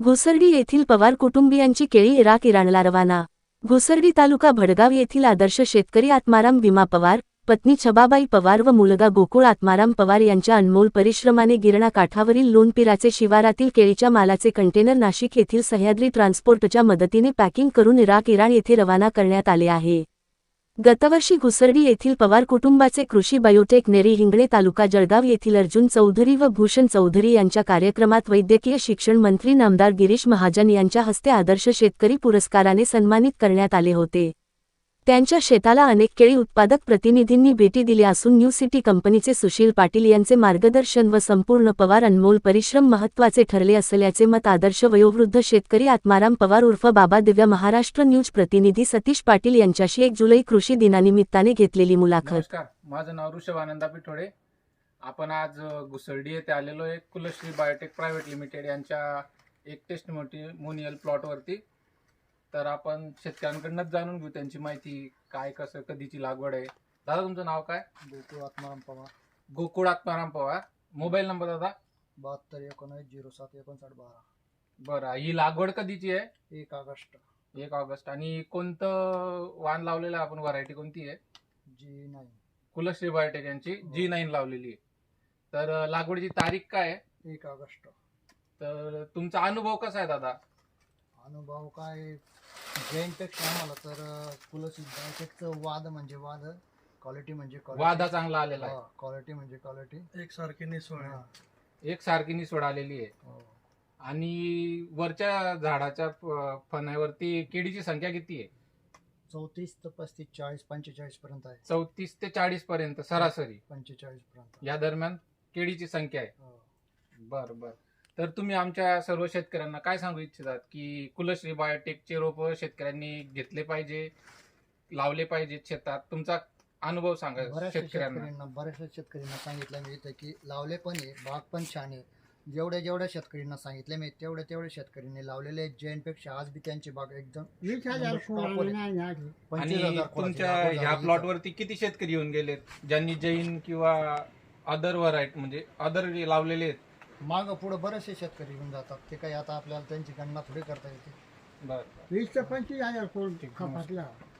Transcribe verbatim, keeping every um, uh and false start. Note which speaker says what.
Speaker 1: घुसर्डी येथील पवार कुटुंबियांची केळी इराक इराणला रवाना। घुसर्डी तालुका भडगाव येथील आदर्श शेतकरी आत्माराम भीमा पवार, पत्नी छबाबाई पवार व मुलगा गोकुळ आत्माराम पवार यांच्या अनमोल परिश्रमाने गिरणा काठावरील लोणपिराचे शिवारातील केळीच्या मालाचे कंटेनर नाशिक येथील सह्याद्री ट्रान्सपोर्टच्या मदतीने पॅकिंग करून इराक इराण येथे रवाना करण्यात आले आहे। गतवर्षी घुसर्डी येथील पवार कुटुंबाचे कृषी बायोटेक नेरी हिंगणे तालुका जळगाव येथील अर्जुन चौधरी व भूषण चौधरी यांच्या कार्यक्रमात वैद्यकीय शिक्षण मंत्री नामदार गिरीश महाजन यांच्या हस्ते आदर्श शेतकरी पुरस्काराने सन्मानित करण्यात आले होते। त्यांच्या शेताला अनेक केळी उत्पादक प्रतिनिधींनी भेटी दिल्या असून न्यू सिटी कंपनीचे सुशील पाटील यांचे मार्गदर्शन व संपूर्ण पवार अनमोल परिश्रम महत्त्वाचे ठरले असल्याचे मत आदर्श वयोवृद्ध शेतकरी आत्माराम पवार उर्फ बाबा दिव्य महाराष्ट्र न्यूज प्रतिनिधी सतीश पाटील यांच्याशी एक जुलै कृषी दिनानिमित्ताने घेतलेली मुलाखत।
Speaker 2: नमस्कार, माझं नाव ऋषभ आनंदा पिठोडे। आपण आज घुसर्डी येथे आलेलो आहे कुलश्री बायोटेक प्रायव्हेट लिमिटेड यांच्या एक टेस्टिमोनियल प्लॉट वरती। तर आपण शेतकऱ्यांकडूनच जाणून घेऊ त्यांची माहिती, काय कसं कधीची लागवड आहे। दादा तुमचं नाव काय?
Speaker 3: गोकुळ आत्माराम पवार।
Speaker 2: गोकुळ आत्माराम पवार। मोबाईल नंबर दादा?
Speaker 3: बहात्तर एकोणीस झिरो सात एकोणसाठ बारा।
Speaker 2: बरं, ही लागवड कधीची आहे?
Speaker 3: एक ऑगस्ट।
Speaker 2: एक ऑगस्ट। आणि कोणतं वाण लावलेलं आहे आपण? व्हरायटी कोणती आहे?
Speaker 3: G nine.
Speaker 2: कुलश्री बायोटेक यांची जी नाईन लावलेली आहे। तर लागवडीची तारीख काय आहे?
Speaker 3: एक ऑगस्ट।
Speaker 2: तर तुमचा अनुभव कसा आहे दादा?
Speaker 3: अनुभव काय, जैनपेक्षा आम्हाला तर कुलश्री बायोटेकचं वाद म्हणजे वाद, क्वालिटी म्हणजे
Speaker 2: वादा चांगला आलेला आहे।
Speaker 3: क्वालिटी म्हणजे क्वालिटी एकसारखी निसवड
Speaker 2: एक सारखी निसवड आलेली आहे। आणि वरच्या झाडाच्या फण्यावरती केळीची संख्या किती आहे?
Speaker 3: चौतीस ते पस्तीस चाळीस पंचेचाळीस पर्यंत आहे।
Speaker 2: चौतीस ते चाळीस पर्यंत सरासरी
Speaker 3: पंचेचाळीस पर्यंत
Speaker 2: या दरम्यान केळीची संख्या आहे। बर बर तर तुम्ही आमच्या सर्व शेतकऱ्यांना काय सांगू इच्छितात की कुलश्री बायोटेकचे रोप शेतकऱ्यांनी घेतले पाहिजे, लावले पाहिजे शेतात? तुमचा अनुभव सांगा
Speaker 3: बऱ्याचशा
Speaker 2: शेतकऱ्यांना।
Speaker 3: शेतकऱ्यांना बऱ्याचशा शेतकऱ्यांना सांगितलं मी इथं की लावले पण आहे, बाग पण छान आहे। जेवढ्या जेवढ्या शेतकऱ्यांना सांगितले मी तेवढ्या तेवढ्या शेतकऱ्यांनी लावलेले आहेत। जैनपेक्षा आज बी त्यांची बाग एकदम
Speaker 2: आणि तुमच्या ह्या प्लॉट वरती किती शेतकरी येऊन गेलेत ज्यांनी जैन किंवा अदर व्हरायटी म्हणजे अदर लावलेले आहेत?
Speaker 3: माग पुढे बरेचसे शेतकरी येऊन जातात, ते काही आता आपल्याला त्यांची गणना थोडी करता येते।
Speaker 2: बरं,
Speaker 3: वीस ते पंचवीस हजार कोण खपातला